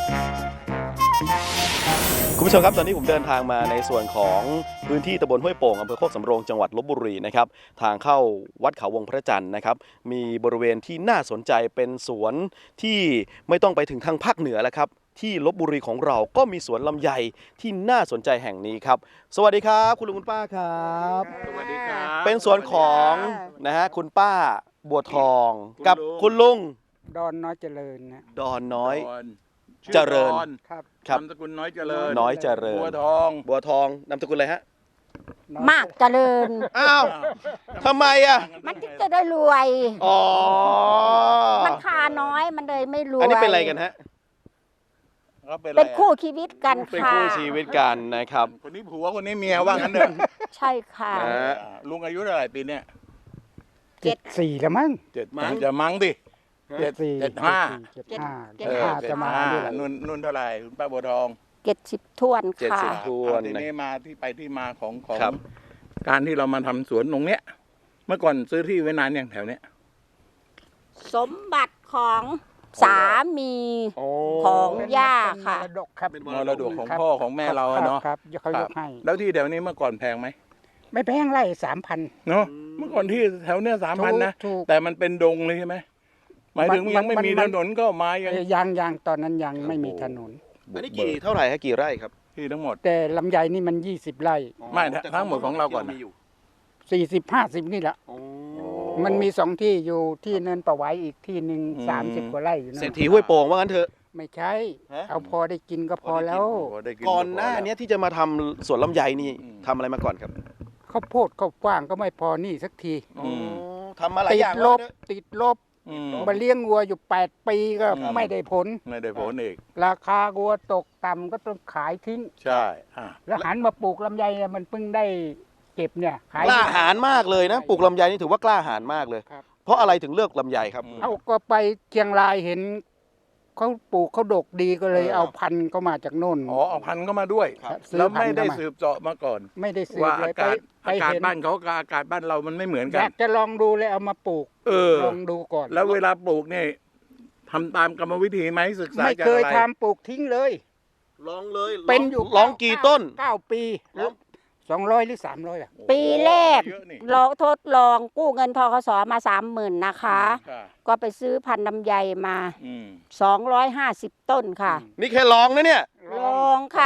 คุณผู้ชมครับตอนนี้ผมเดินทางมาในส่วนของพื้นที่ตำบลห้วยโป่งอำเภอโคกสำโรงจังหวัดลพบุรีนะครับทางเข้าวัดเขาวงพระจันทร์นะครับมีบริเวณที่น่าสนใจเป็นสวนที่ไม่ต้องไปถึงทางภาคเหนือแล้วครับที่ลพบุรีของเราก็มีสวนลำไยที่น่าสนใจแห่งนี้ครับสวัสดีครับคุณลุงคุณป้าครับสวัสดีครับเป็นสวนของนะฮะคุณป้าบัวทองกับคุณลุงดอนน้อยเจริญนะดอนน้อยชื่เจริญดอนครับครับนามสกุลน้อยเจริญน้อยเจริญบัวทองบัวทองนามสกุลอะไรฮะน้อยมากเจริญอ้าวทำไมอ่ะมันถึงจะได้รวยอ๋อมันคาน้อยมันเลยไม่รวยอันนี้เป็นอะไรกันฮะเขาเป็นเป็นอะไรคู่ชีวิตกันเป็นค่ะคู่ชีวิตกันนะครับคนนี้ผัวคนนี้เมียว่างั้นเถอะใช่ค่ะนะฮะลุงอายุเท่าไหร่ปีเนี้ย 74แล้วมั้งเจ็ดมั้งจะมั้งดิ 74 75 75 เจ็ด 75จะมานี่แหละนุ่นเท่าไหร่คุณป้าบัวทอง 70ท้วนค่ะ 70 ทวนทีนี้มาที่ไปที่มาของครับการที่เรามาทำสวนตรงเนี้ย เมื่อก่อนซื้อที่ไว้นานอย่างแถวเนี้ยสมบัติของสามีโอ้ของเป็นย่าเป็นค่ะมรดกครับเป็นมรดกของครับพ่อของแม่เราอะเนาะครับเขายกให้แล้วที่แถวนี้เมื่อก่อนแพงไหมไม่แพงไร่3,000 เนาะเมื่อก่อนที่แถวเนี้ย3,000นะถูกแต่มันเป็นดงเลยใช่ไหมหมายถึงมันยังไม่มีมัถนนนก็มายังยังตอนนั้นยังไม่มีถนนอันนี้กี่เท่าไหร่ฮะกี่ไร่ครับที่ทั้งหมดแต่ลำไยนี่มัน20ไร่ไม่ทั้งหมดของเราก่อนนะ 40 50นี่แหละโอ้มันมี2ที่อยู่ที่เนินประไว้อีกที่หนึ่งอืม 30กว่าไร่อยู่นั่นเศรษฐีห้วยโป่งว่างั้นเถอะไม่ใช่ฮะเอาพอได้กินก็พอแล้วโได้ก่อนหน้าเนี้ยที่จะมาทำสวนลำไยนี่อืมทำอะไรมาก่อนครับข้าวโพดข้าวฟ่างก็ไม่พอนี่สักทีอืมทำมาหลายติอดย่างลว่าบงั้นเถอะติดลบอืมมาเลี้ยงวัวอยู่ 8 ปีก็อืมไม่ได้ผลไม่ได้ผลอีกราคาวัวตกต่ำก็ต้องขายทิ้งใช่อ่ะแล้วหันมาปลูกลำไยเนี่ยมันเพิ่งได้เก็บเนี่ยขายกล้าหาญมากเลยนะปลูกลำไยนี่ถือว่ากล้าหาญมากเลยครับเพราะอะไรถึงเลือกลำไยครับเอาก็ไปเชียงรายเห็นเขาปลูกเขาดกดีก็เลยเอาพันธุ์เขามาจากโน่นอ๋อเอาพันธุ์เข้ามาด้วยครับซื้อแล้วพันไม่ธุ์ได้เข้ามาสืบเจาะมาก่อนไม่ได้ซื้อว่าเลอาย กาศไปอากาศเห็นบ้านเขากับอากาศบ้านเรามันไม่เหมือนอกัยาน กจะลองดูเลยเอามาปลูกเออลองดูก่อนแล้วเวลาปลูกเนี่ยทำตามกรรมวิธีไหมศึกษาไม่จากเคยอะไรทำปลูกทิ้งเลยลองเลยเป็นอยู่ลองกี่ต้น 9 ปีลอง 200หรือ300อ่ะปีแรกเยอะนี่เราทดลองกู้เงินทกสมา30,000นะคะค่ะก็ไปซื้อพันธุ์ลำไยมาอืม 250 ต้นค่ะนี่แค่ลองนะเนี่ยลองค่ะ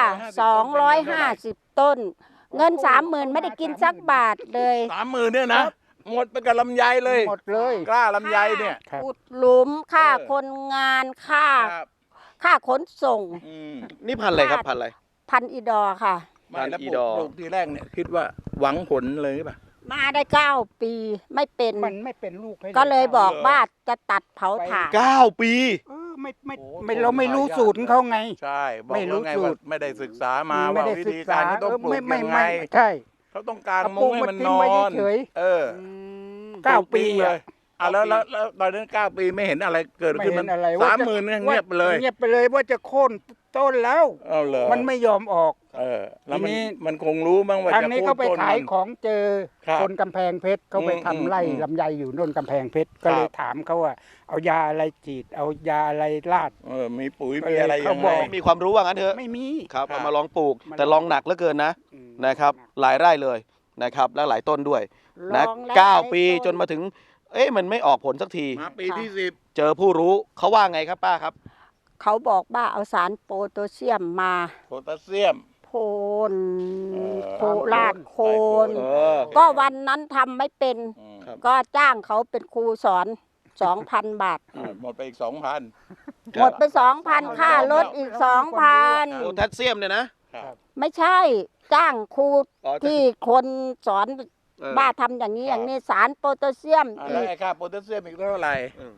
250 250 ต้น เงิน 30,000ไม่ได้กินสักบาทเลย 30,000เนี่ยนะหมดไปกับลำไยเลยหมดเลยกล้าลำไยเนี่ยครับอุดหลุมค่าเออคนงานค่าครับค่าขนส่งอืมนี่พันธุ์อะไรครับพันธุ์อะไรพันอีดอร์ค่ะไม่แล้วอีปดลูอกทีแรกเนี่ยคิดว่าหวังผลเลยป่ะมาได้9 ปีไม่เป็นมันไม่เป็นลูกให้ก็เลยบอกว่าจะตัดเผาถ่าน 9 ปีไม่เราไม่รู้สูตรของเขาไงใช่บอกไม่รู้แล้วไงสูว่าตรไม่ได้ศึกษามาไม่ว่าได้วิศึธีกกาษารที่ต้องปลูกยังไงใช่เขาต้องการเอามุ้ปลูงกให้มามันทิ้นงไว้อนเฉยเออเก้าปีเลอะยแล้วตอนนั้น9 ปีไม่เห็นอะไรเกิดไม่ขึ้นเห็มันนอะไร 30,000เนี่ยเงียบไปเลยเงียบไปเลยว่าจะโค่นต้นแล้วเอาเลยมันไม่ยอมออกแล้วทีนี้มันคงรู้บ้างว่าทางจะนี้โค่เขานไปต้นขายมันของเจอครับคนกำแพงเพชรเขาไปทำไร่อืมลำไยอยู่โน่นกำแพงเพชรก็เลยถามเขาว่า เอายาอะไรฉีดเอายาอะไรราดมีปุ๋ยก็มีเลยอะไรเขายังบไงอกมีความรู้ว่างั้นเถอะไม่มีครับครับเอามาลองปลูกมันแต่ลองหนักเหลือเกินนะอืมนะครับ หลายไร่เลยนะครับ และหลายต้นด้วยนะลองแล้ว 9 ปีจนมาถึง เอ๊ะมันไม่ออกผลสักทีมาปีที่เจอผู้รู้เขาว่าไงครับป้าครับเขาบอกว่าเอาสารโพแทสเซียมมา 10โพแทสเซียมโคนโคเออราดโคนเออก็วันนั้นทำไม่เป็นครับก็จ้างเขาเป็นครูสอน 2,000 บาทหมดไปอีก 2,000 หมดไป 2,000 ค่ารถอีกโพ 2,000 แทสเซียมเนี่ยนะไม่ใช่จ้างครูอ๋อที่คนสอนเออบ้าทำอย่างนี้อย่างนี้สารโพแทสเซียมแล้อีวกไอ้ค่าโพแทสเซียมอีกเท่าไหร่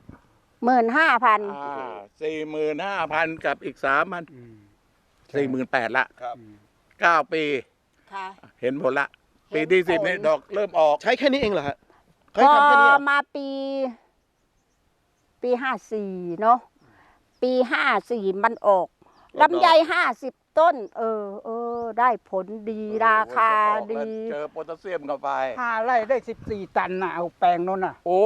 15,000 45,000 กับอีก 3,000 อืม 48,000ละครับ 9 ปีค่ะเห็นผลละ ปีที่เห็นผล 10เนี่ยดอกเริ่มออกใช้แค่นี้เองเหรอฮะพเขาให้อทำแค่นี้เหรอมาปี54เนาะปี54มันออกลำไย50 ต้นได้ผลดีราคาดีเจอโพแทสเซียมเข้าไป 5 ไร่ได้ 14 ตันน่ะเอาแปลงโน้นน่ะโอ้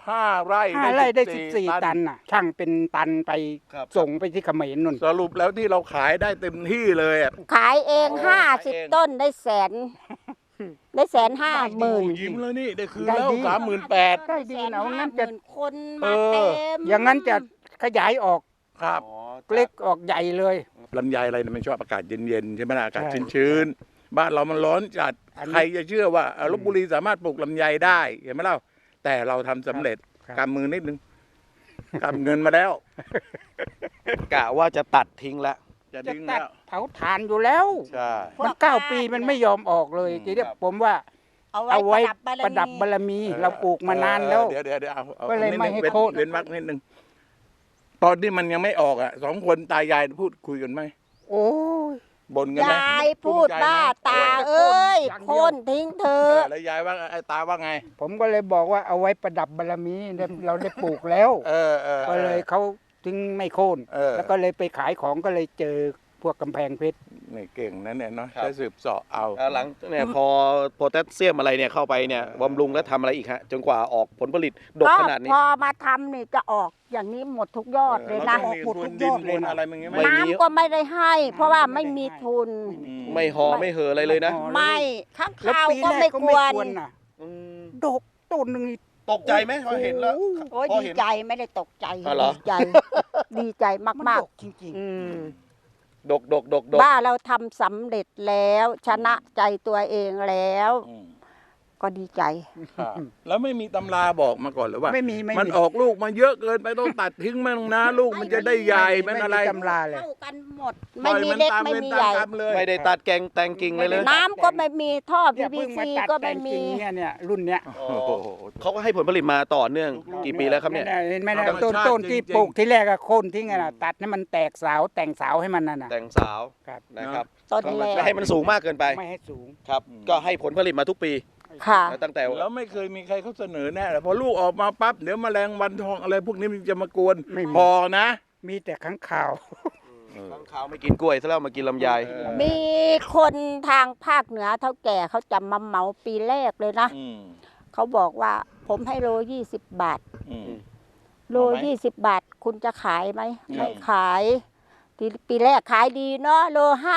5 ไร่ 5 ไร่ได้ 14 14 ตันน่ะ ช่างเป็นตันไปครับส่งไปที่เขมรนู่นสรุปแล้วที่เราขายได้เต็มที่เลยอ่ะขายเองขายเอง 50 ต้นได้แสน ได้150,000 ยิ้มแล้วนี่ได้คืนได้แล้วดี 38,000 ได้ดีนะว่างั้นจะคนมาเต็มอย่างนั้นจะขยายออกครับเล็กออกใหญ่เลยลำไยอะไรเนี่ยมันชอบอากาศเย็นๆใช่ไหมล่ะอากาศใช่ชื้นๆบ้านเรามันร้อนจัดอันนี้ใครจะเชื่อว่าลพบุรีสามารถปลูกลำไยได้เห็นไหมเล่าแต่เราทำสำเร็จครับกำมือนิดนึงกำเงินมาแล้วกะว่าจะตัดทิ้งแล้วจะจะดึงตัดแล้วเผาถ่านอยู่แล้วใช่มัน9 ปีมันไม่ยอมออกเลยอืมทีนี้ครับผมว่าเอาเอาไว้ไว้ปประ ระดัดับบบารมี เราปลูกมานานแล้วเดี๋ยวเอาก็เลยนิดนึงไม่ให้เว้นโค่นเว้นวรรคนิดนึงตอนที่มันยังไม่ออกอ่ะ2 คนตายายพูดคุยกันไหมโอ้ยบ่นกันไหมยายพูดภูมิใจไหมว่าตาเอ้ยอย่างเดียวโค่นทิ้งเธอแล้วยายว่าไอ้ตาว่าไงผมก็เลยบอกว่าเอาไว้ประดับบารมีเราได้ปลูกแล้ว ก็เลยเขาถึงไม่โค่น แล้วก็เลยไปขายของก็เลยเจอพวกกำแพงเพชรนี่เก่งนั่นเนี่ยเนาะครับจะสืบเสาะเอาหลังเนี่ยพอโพแทสเซียมอะไรเนี่ยเข้าไปเนี่ยบำรุงแล้วทำอะไรอีกฮะจนกว่าออกผลผลิตดกก็ขนาดนี้พอมาทำนี่จะออกอย่างนี้หมดทุกยอดเลยนะแล้วก็มีทุนดินทุนอะไรมึงไหมไม่มีน้ำก็ไม่ได้ให้ เพราะว่าไม่มีทุนไม่หอไม่เหออะไรเลยนะอ๋อไม่ข้างแล้วข่าวปีก็แรไม่กก็กไม่วนควรน่ะอืมดกต้นหนึ่งนี่ตกใจไหมพอเห็นแล้วโอ้ยพอดีเห็นใจไม่ได้ตกใจอ๋อเหรอดีใจ ดีใจมันมากดกจริงๆอืมดกว่าเราทำสำเร็จแล้ว ชนะใจตัวเองแล้ว ก็ดีใจครับแล้วไม่มีตำราบอกมาก่อนหรือว่าๆ ไม่มีไม่มันมีออกลูกมาเยอะเกินไปต้องตัดทิ้งมันนะลูกมันจะได้ใหญ่เป็นอะไรตำราเลยเท่ากันหมดปล่ไม่อยมีนเล็กตามไม่เวรมีตาใหญ่กรรมเลยไม่ได้ตัดแกงแต่งกิ่งเลยเลยน้ำก็ไม่มีท่อเนี่ยเพิ่ง PVC มาตัดก็แต่ไม่งมีกิ่งเนี่ยรุ่นเนี้ยโอ้โหเขาก็ให้ผลผลิตมาต่อเนื่องกี่ปีแล้วครับเนี่ยเห็นไหมนะธรรมชาติต้นที่จริงๆปลูกที่แรกก็โค่นทิ้งอะนะตัดให้มันแตกเสาแต่งเสาให้มันนั่นน่ะแต่งสาวครับนะครับต้นแรไม่กให้มันสูงมากเกินไปไม่ให้สูงครับ ก็ให้ผลผลิตมาทุกปีค่ะตั้งแต่แล้วไม่เคยมีใครเขาเสนอแน่เลยพอลูกออกมาปั๊บเดี๋ยวแมลงวันทองอะไรพวกนี้มันจะมากวนไม่มีพอนะมีแต่ข้างข่าวข้างขาวไม่กินกล้วยซะแล้วมากินลำไยมีคนทางภาคเหนือเท่าแก่เขาจะมาเหมาปีแรกเลยนะอืมเขาบอกว่าผมให้โล20 บาทอืมโลเอาไหม 20 บาท คุณจะขายไหมอืมไม่ขายปีแรกขายดีเนาะโล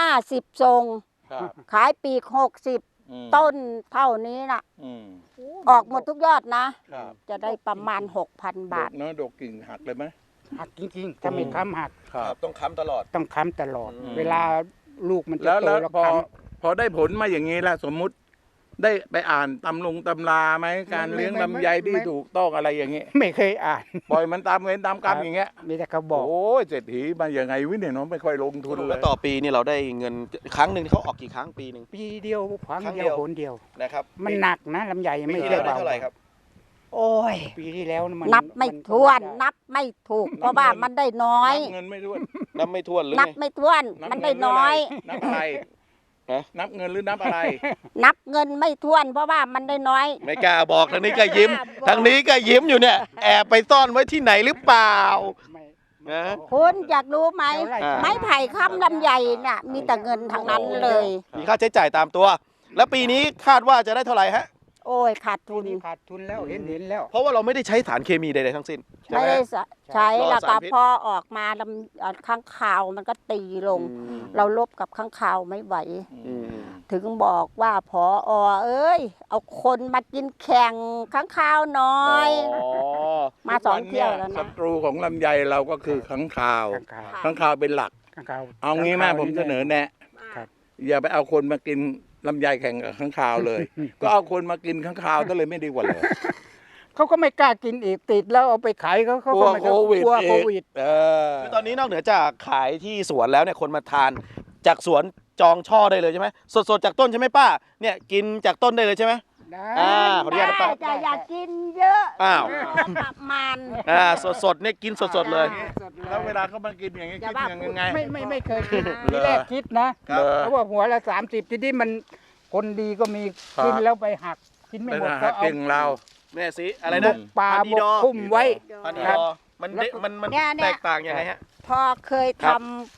50ทรงครับขายปีก60 อืมต้นเท่านี้น่ะอืมออกหมดทุกยอดนะครับจะได้ประมาณ 6,000 บาทดกเนาะดกกิ่งหักเลยไหมหักจริงๆถ้าไม่ค้ำหักครับต้องค้ำตลอดต้องค้ำตลอดอืมเวลาลูกมันจะแล้วโตแล้วแล้วพอค้พอได้ผลมาอย่างนี้แล้วสมมุติได้ไปอ่านตำราไหมการเลี้ยงลำไยที่ถูกต้องอะไรอย่างเงี้ยำไม่เคยอ่านปล่อยมันตามเวรตามกรรมอย่างเงี้ยมีแต่เขาบอกโอ้ยเศรษฐีมาอย่างไงวิเนี่ยเนาะไม่ค่อยลงทุนเลแล้วยต่อปีนี่เราได้เงินครั้งหนึ่งเขาออกกี่ครั้งปีหนึ่งปีเดียวครั้งครั้งเดีเดียยว วหนเดียวนะครับมันหนักนะลำไยปีไม่ที่ใช่แล้วได้เบาเท่าไหร่ครับโอ้ยปีที่แล้วมันนับไม่นถ้วนได้นับไม่ถูก เพราะว่ามันได้น้อยนับเงินไม่ถ้วนนับไม่ถ้วนหรือนับไงไม่ถ้วนนับมันเงิได้หรือน้อยนับอะไรฮะนับเงินหรือนับอะไรนับเงินไม่ถ้วน เพราะว่ามันได้น้อยไม่กล้าบอกทางนี้ก็ยิ้มไม่กล้าบอกทางนี้ก็ยิ้มอยู่เนี่ยแอบไปซ่อนไว้ที่ไหนหรือเปล่าไม่นะคุณอยากรู้ไหมเท่าไหร่อ่าไม้ไผ่ค้ำลำไยน่ะ มีแต่เงินทั้งนั้นเลยมีค่าใช้จ่ายตามตัว แล้วปีนี้คาดว่าจะได้เท่าไหร่ฮะโอ้ยขาดทุทุนนขาดทุนแล้วเห็นแล้วเพราะว่าเราไม่ได้ใช้สารเคมีใดๆทั้งสิ้นใช่ไม่ไหมได้ใช้รอแล้วสาก็รพิษพอออกมาข้างข่าวมันก็ตีลงอืมเราลบกับข้างข่าวไม่ไหวอืมถึงบอกว่าพอเอ้ย เอาคนมากินแข่งข้างข่าวน้อยอ๋อมาสองเที่ยวแล้วศันะตรูของลำไยเราก็คือข้างคาวข้างข่าวข้างคาวเป็นหลักข้างข่าวเอางี้มาผมเสนอแนะครับอย่าไปเอาคนมากินลำไยแข่งกับข้างคาวเลย ก็เอาคนมากินข้างคาวก็เลยไม่ดีกว่าเลยเขาก็ไม่กล้ากินอีกติดแล้วเอาไปขายเขากลัก็วไม่โควิดกลัวอีกโควิดคือตอนนี้นอกเหนือจากขายที่สวนแล้วเนี่ยคนมาทานจากสวนจองช่อได้เลยใช่ไหมสดๆจากต้นใช่ไหมป้าเนี่ยกินจากต้นได้เลยใช่ไหมได้อ่าขออนุญาตนะป้าจะอยากกินเยอะอ้าวประมาณสดๆเนี่ยกินสดๆเลยสดๆแล้วเวลาเขามากินอย่างนี้อย่าคิดว่ายังไงไม่เคยคิดเหรอทีแรกคิดนะครับ เขาบอกหัวละ30ทีนี้มันคนดีก็มีครับกินแล้วไปหักกินไม่เป็นหมดอาก็หารเอาเก่งเราแม่สิอะไรบนะกปลาพันบอีกดอคุ้มไว้พันอีครัดบอมันเนี่ยมันเนี่ยแตกต่างยังไงฮะพอเคยครัทำบโพ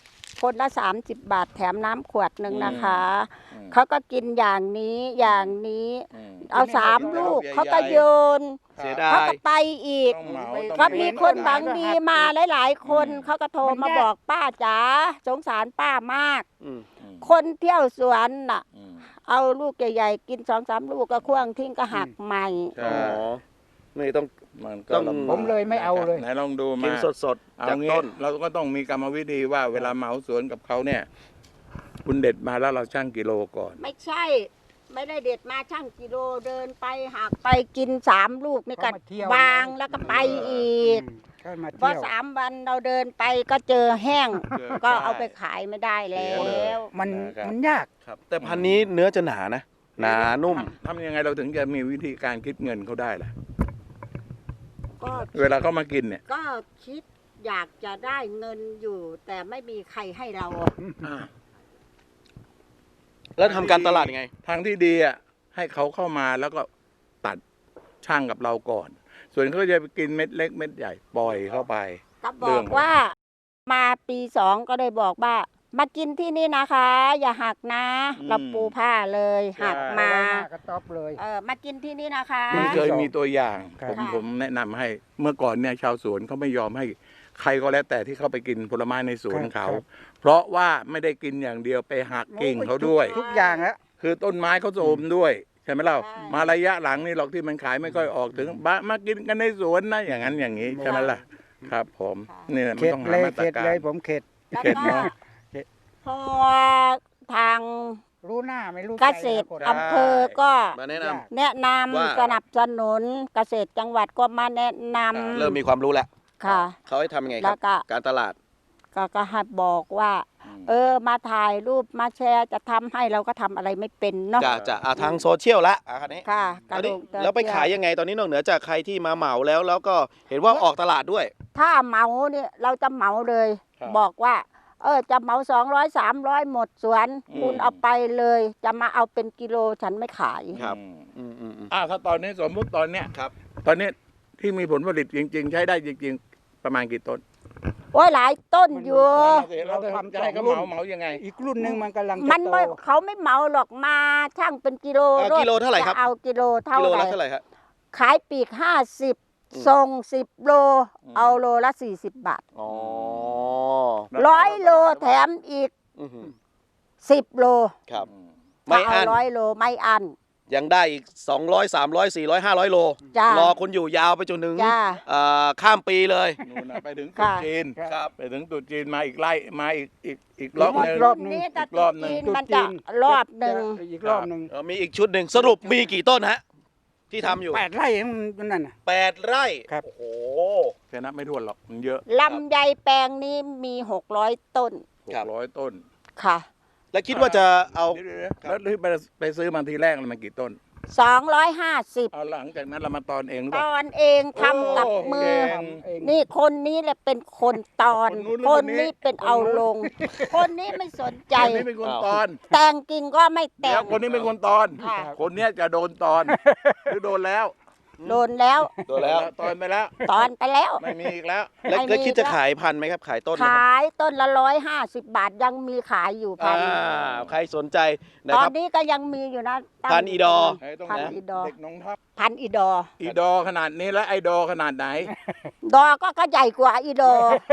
คนละ30 บาทแถมน้ำขวดหนึ่งนะคะเขาก็กินอย่างนี้อย่างนี้เอา3 ลูกเขาก็โยนเสียดาเขายก็ไปอีกต้องเหมาก็มีคนหวังดีมาหลายๆ คนเขาก็โทรมาบอกป้าจ๋าสงสารป้ามากอืมคนเที่ยวสวนน่ะ เอาลูกใหญ่ๆกิน2-3 ลูกก็ควางทิ้งก็หักใหม่ใช่อ๋อนี่ต้องมันก็ต้องลำบากผมเลยไม่เอาเลยไหนลองดูกิมานสดๆเอาจากงี้ต้นเราก็ต้องมีกรรมวิธีว่าเวลาเหมาสวนกับเขาเนี่ย คุณเด็ดมาแล้วเราชั่งกิโลก่อนไม่ใช่ ไม่ได้เด็ดมาช่างกิโลเดินไปหักไปกิน3 ลูกนี่ก็เขามาเที่ยวบางแล้วก็ไปอีกก็มาพอเที่ยว 3 วันเราเดินไปก็เจอแห้งเจอก็ใช่เอาไปขายไม่ได้แล้เสียเลยวมันยากครับ แต่พันธุ์นี้เนื้อจะหนานะ หนานุ่มทำยังไงเราถึงจะมีวิธีการคิดเงินเขาได้ล่ะก็เวลาเขามากินเนี่ยก็คิดอยากจะได้เงินอยู่ แต่ไม่มีใครให้เราแล้วทำการตลาดยังไงทางที่ดีอ่ะให้เขาเข้ามาแล้วก็ตัดช่างกับเราก่อน ส่วนเขาจะไปกินเม็ดเล็กเม็ดใหญ่ปล่อยเข้าไปก็บเรื่ออก งว่ามาปี2ก็ได้บอกว่า มากินที่นี่นะคะ อย่าหักนะ เราปูผ้าเลยหักมาหน้ากระต๊อบเลยมากินที่นี่นะคะมันเคยมีตัวอย่างครับผมแนะนำให้เมื่อก่อนเนี่ยชาวสวนเขาไม่ยอมให้ใครก็แล้วแต่ที่เข้าไปกินผลไม้ในสวนเขา เพราะว่าไม่ได้กินอย่างเดียวไปหักกิ่งเขาด้วยทุกอย่างแล้วคือต้นไม้เขาโทรมด้วยใช่ไหมเล่ามาระยะหลังนี่หรอกที่มันขายไม่ค่อยออกถึงมากินกันในสวนนะอย่างนั้นอย่างนี้ใช่ไหมล่ะครับ ผมนี่มันเข็ดต้องหาเลยมาตรเข็ดกาเลรยผมเข็ดแล้วเข็ดก็เนาะพอทางรู้หน้าไม่รู้เกใจษตรนะคนอำเภอก็มาแนะนำแนะนว่าำสนับสนุนเกษตรจังหวัดก็มาแนะนเริ่มมีความรู้แล้วำค่ะเขาให้ทำยังไงคแล้รับวก็การตลาดก็ให้บอกว่า มาถ่ายรูปมาแชร์จะทำให้เราก็ทำอะไรไม่เป็นเนาะจะทางโซเชียลละคันนี้ค่ะอันนี้กระดูกแล้วไปขายยังไงตอนนี้นอกเหนือจากใครที่มาเหมาแล้วก็เห็นว่าออกตลาดด้วยถ้าเหมาเนี่ยเราจะเหมาเลยครับบอกว่า จะเหมา200-300หมดสวน คุณเอาไปเลย จะมาเอาเป็นกิโลฉันไม่ขายครับอืมอืมถ้าตอนนี้สมมุติตอนเนี้ยครับตอนนี้ที่มีผลผลิตจริง ๆ ใช้ได้จริง ๆ ประมาณกี่ต้นโอ้ยหลายต้นอยู่เราทำจะให้เขาเหมายังไงอีกรุ่นหนึ่งมันกำลังจะมันโตไม่เขาไม่เหมาหรอกมาช่างเป็นกิโลกิโลเท่าไหร่ครับจะเอากิโลเท่ากิโลไหร่ละเท่าไหร่ครับขายปีก50ส่ง10 โล เอาโลละ40 บาทอ๋อ 100 โลแถมอีกอื้อหือ 10 โลครับถ้าไม่เอาอั้น 100 โลไม่อันยังได้อีก200 300 400 500 โลจ้ารอคุณอยู่ยาวไปจนถึงจ้าข้ามปีเลยนู่นน่ะไปถึงตรุษค่ะจีนครับไปถึงตรุษจีนมาอีกไล่มาอีกรอบหนึงรอบหนึ่งนี้ถ้าอีกรอบหนึ่งจีนมันจะรอบหนึ่งอีกรอบหนึ่งมีอีกชุดหนึ่งสรุปมีกี่ต้นฮะ ที่ทำอยู่ 8 ไร่มันนั่นน่ะ 8 ไร่ครับโอ้โหแค่นับไม่ถ้วนหรอกมันเยอะลำไยแปลงนี้มี 600 ต้นครับ 600 ต้นค่ะแล้วคิดว่าจะเอาเดี๋ยวๆแล้วที่ไปซื้อมาทีแรกมันกี่ต้น 250 เอาหลังจากนั้นเรามาตอนเองหรือตเปล่าอนเองทำกับมือเก่งเองนี่คนนี้แหละเป็นคนตอนคนนู้นหรือคคน นนี้นี้เป็นเอาลง คนนี้ไม่สนใจคนนี้เป็นคนตอนแต่งกิ่งก็ไม่แต่แล้งวคนนี้เป็นคนตอนค่ะคนเนี้ยจะโดนตอน หรือโดนแล้วโดนแล้วโดนแล้วตอนไปแล้วตอนไปแล้วไม่มีอีกแล้วแล้วไม่มีแล้วคิดจะขายพันธุ์ไหมครับ ขายต้นไหมคขารับยต้นละ150 บาทยังมีขายอยู่พันใครสนใจนะตอคน รับนี้ก็ยังมีอยู่นะตั้งพันอีดอไอ้ต้องพันนะอีดอเด็กน้องทัพพันอีดออีดอขนาดนี้แล้วไอดอขนาดไหนดอก็ใหญ่กว่าอีดอ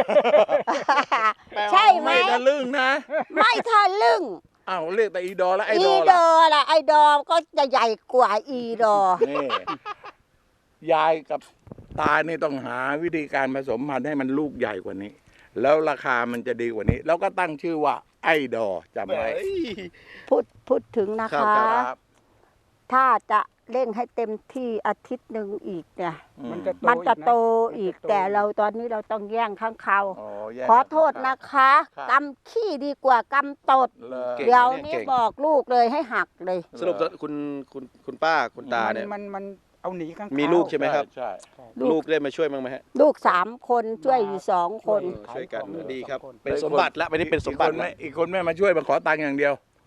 ใช่ไหมไม่ทะลึ่งนะไม่ทะลึ่งอ้าวเรียกแต่อีดอแล้วไออีดอดล่ะอล่ะไอดอก็จะใหญ่กว่าอีดอนี่ยายกับตานี่ต้องหาวิธีการผสมพันธุ์ให้มันลูกใหญ่กว่านี้ แล้วราคามันจะดีกว่านี้ แล้วก็ตั้งชื่อว่าไอดอจำไว้พูดถึงนะครัคะบครับถ้าจะเร่งให้เต็มที่อาทิตย์หนึ่งอีกเนี่ยมันจะมันจะโตนะอีกมันจะโแต่เราตอนนี้เราต้องแย่งข้างเขาแยกขอโทษนะคะครับกำขี้ดีกว่ากำตดเลยเก่งเดี๋ยวเนี่ยนี้เก่งบอกลูกเลยให้หักเลยสรุปคุณป้าคุณตาเนี่ยมันเอาหนีข้างมีลูกใช่ไหมครับใช่ลูกได้มาช่วยบ้างไหมฮะลูก3 คนช่วยอยู่2 คนช่วยกันขายของดีครับ 2คนเป็นสมบัติละไม่ได้เป็นสมบัติละอีกคนไม่มาช่วยมาขอตังค์อย่างเดียว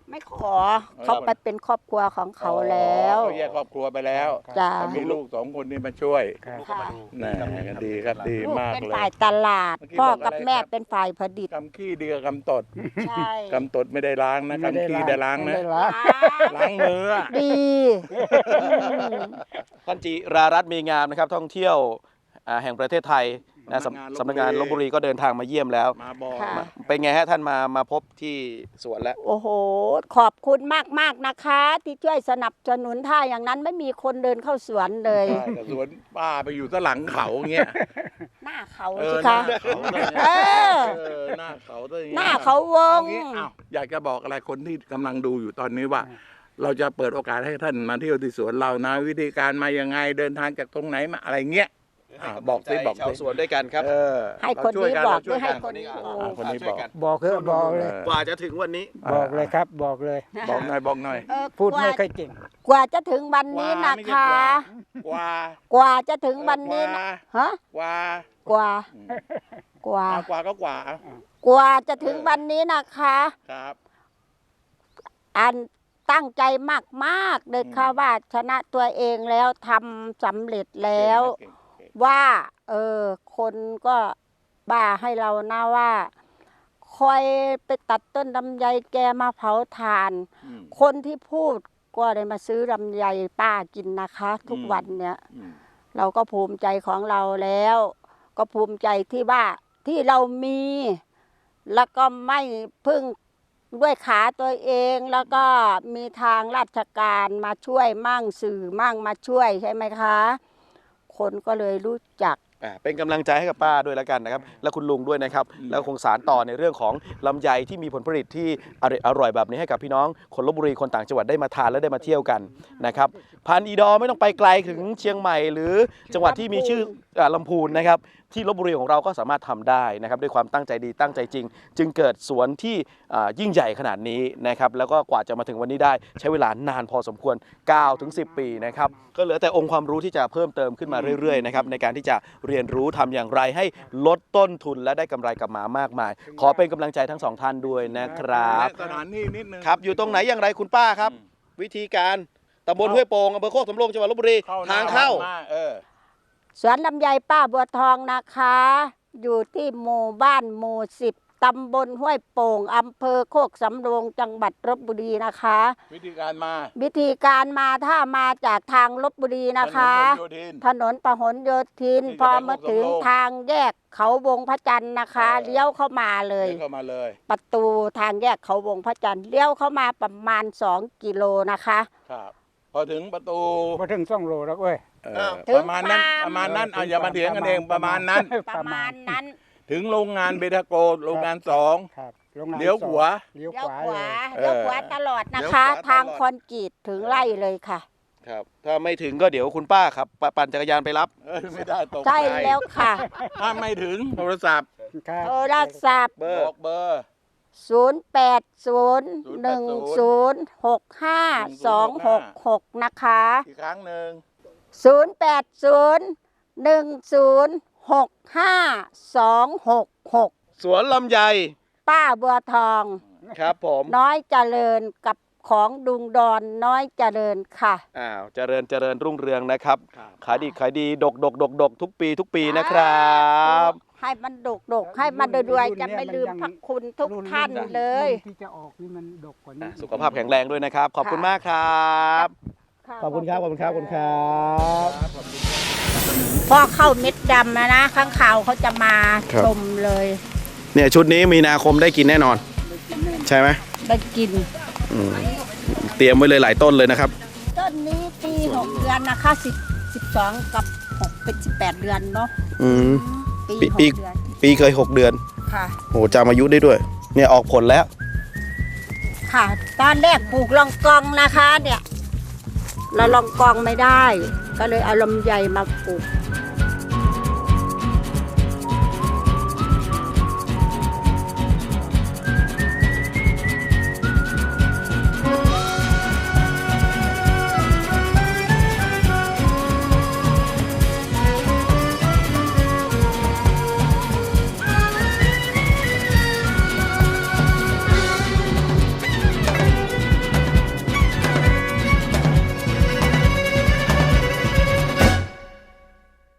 ไม่ขอเขาไปเป็นครอบครัวของเขาแล้วเขาแยกครอบครัวไปแล้วจ้ามีลูก2 คนนี่มาช่วยครับค่ะน่ดีครับดีลูกมากเป็นเลยฝ่ายตลาดเมื่อกี้พ่อบอกกับอะไรแม่ครับเป็นฝ่ายผลิตกำขี้ดีกับกำตดใช่กำตดไม่ได้ล้างนะกำขี้ได้ล้างนะไม่ได้ล้างล้างมืออะดีอืมท่านจิรารัตน์มีงามนะครับท่องเที่ยวแห่งประเทศไทยนะสำนักงานลพบุรีก็เดินทางมาเยี่ยมแล้วมาบอกค่ะเป็นไงฮะท่านมาพบที่สวนแล้วโอ้โห ขอบคุณมากๆนะคะ ที่ช่วยสนับสนุนถ้าอย่างนั้นไม่มีคนเดินเข้าสวนเลยใช่แต่สวนป้าไปอยู่ซะหลังเขาเงี้ยหน้าเขาเอสิอหคะน้าเขาเลยเออหน้าเขาซะอย่งงี้ยหน้าเขาวงเอางี้อ้าวอยากจะบอกอะไรคนที่กำลังดูอยู่ตอนนี้ว่า เราจะเปิดโอกาสให้ท่านมาเที่ยวที่สวนเรานะ วิธีการมายังไงเดินทางจากตรงไหนมาอะไรเงี้ยบอกสิบอกชาวสิสวนด้วยกันครับให้คนนี้บอกด้วยให้คนนี้อ่ะบอกคนนี้บอกบอกเถอะบอกเลยกว่าจะถึงวันนี้บอกเลยครับ บอกเลยบอกหน่อยบอกหน่อยเออพูดไม่กว่าค่อยเก่งกว่าจะถึงวันนี้นะไม่คะใช่กว่ากว่าจะถึงวันนี้นะฮะกว่ากว่า กว่ากว่าก็กว่ากว่าจะถึงวันนี้นะคะครับอันตั้งใจมากๆเลยค่ะว่าชนะตัวเองแล้วทำสำเร็จแล้วเก่งว่า คนก็บ้าให้เรานะว่า คอยไปตัดต้นลำไยแกมาเผาถ่านอืมคนที่พูดก็ได้มาซื้อลำไยป้ากินนะคะ ทุกวันเนี้ยอืมเราก็ภูมิใจของเราแล้ว ก็ภูมิใจที่ว่าที่เรามี แล้วก็ไม่พึ่งด้วยขาตัวเอง แล้วก็มีทางราชการมาช่วยมั่งสื่อมั่งมาช่วยใช่ไหมคะ คนก็เลยรู้จักเป็นกำลังใจให้กับป้าด้วยแล้วกันนะครับ และคุณลุงด้วยนะครับ แล้วคงสารต่อในเรื่องของลำไยที่มีผลผลิตที่อร่อยแบบนี้ให้กับพี่น้องคนลพบุรีคนต่างจังหวัดได้มาทานและได้มาเที่ยวกันนะครับพันธุ์อีดอไม่ต้องไปไกลถึงเชียงใหม่ หรือจังหวัดที่มีชื่อลำพูนนะครับที่ลพบุรีของเราก็สามารถทำได้นะครับด้วยความตั้งใจดีตั้งใจจริง จึงเกิดสวนที่ยิ่งใหญ่ขนาดนี้นะครับแล้วก็กว่าจะมาถึงวันนี้ได้ใช้เวลานานพอสมควร 9-10 ปีนะครับก็เหลือแต่องค์ความรู้ที่จะเพิ่มเติมขึ้นมาเรื่อยๆนะครับในการที่จะเรียนรู้ทำอย่างไรให้ลดต้นทุนและได้กำไรกลับมามากมาย ขอเป็นกำลังใจทั้งสองท่านด้วยนะครับและสถานที่นิดนึงครับอยู่ตรงไหนอย่างไรคุณป้าครับ วิธีการตำบลห้วยโป่งอำเภอโคกสำโรงจังหวัดลพบุรีทางเข้าสวนลำไยป้าบัวทองนะคะ อยู่ที่หมู่บ้านหมู่10ตำบลห้วยโป่งอำเภอโคกสำโรงจังหวัดลพบุรีนะคะวิธีการมาวิธีการมาถ้ามาจากทางลพบุรีนะคะ ถนนพหลโยธินที่จะพอมาถึงไปโคกสำโรงทางแยกเขาวงพระจันทร์นะคะ เลี้ยวเข้ามาเลยเข้ามาเลยประตูทางแยกเขาวงพระจันทร์เลี้ยวเข้ามาประมาณ2 กิโลนะคะครับ พอถึงประตูพอถึง2 โลแล้วเว้ยถึงประมาณนั้นฟาร์มประมาณนั้นเอาอย่ามาเถียงกันเองประมาณนั้นประมาณนั้นถึงโรงงานเบทาโกโรงงาน2 ครับโรงงานเลี้ยวขวาเลี้ยวเลี้ยวขวาขวาเลยเลี้ยวขวาตลอดนะคะเลี้ยวขวาตลอดทางคอนกรีตถึงไร่เลยค่ะครับถ้าไม่ถึงก็เดี๋ยวคุณป้าครับปั่นจักรยานไปรับไม่ได้ตกใช่แล้วค่ะถ้าไม่ถึงโทรศัพท์ครับโทรศัพท์เบอร์บอกเบอร์ 0801065266 นะคะอีกครั้งหนึ่ง 0801065266 สวนลำไยป้าบัวทองครับผมน้อยเจริญกับของดุงดอนน้อยเจริญค่ะเจริญรุ่งเรืองนะครับครับขายดีดกทุกปีนะครับให้มันดกให้มันรวยๆจะไม่ลืมพระคุณทุกท่านเลยรุ่นที่จะออกนี่มันดกกว่านี้สุขภาพแข็งแรงด้วยนะครับ ขอบคุณมากครับ ขอบคุณครับพอเข้าเม็ดดำนะข้างข่าวเขาจะมาครับชมเลยเนี่ยชุดนี้มีนาคมได้กินแน่นอน ใช่ไหมได้กินเตรียมไว้เลยหลายต้นเลยนะครับต้นนี้ปี6 เดือนนะคะ12กับ6เป็น18 เดือนเนาะอืมปีปี 6 เดือนปีเคย 6 เดือนค่ะโอ้จำอายุได้ด้วย เนี่ยออกผลแล้วค่ะ ตอนแรกปลูกลองกองนะคะเนี่ยเราลองกองไม่ได้ ก็เลยเอาลำไยมาปลูก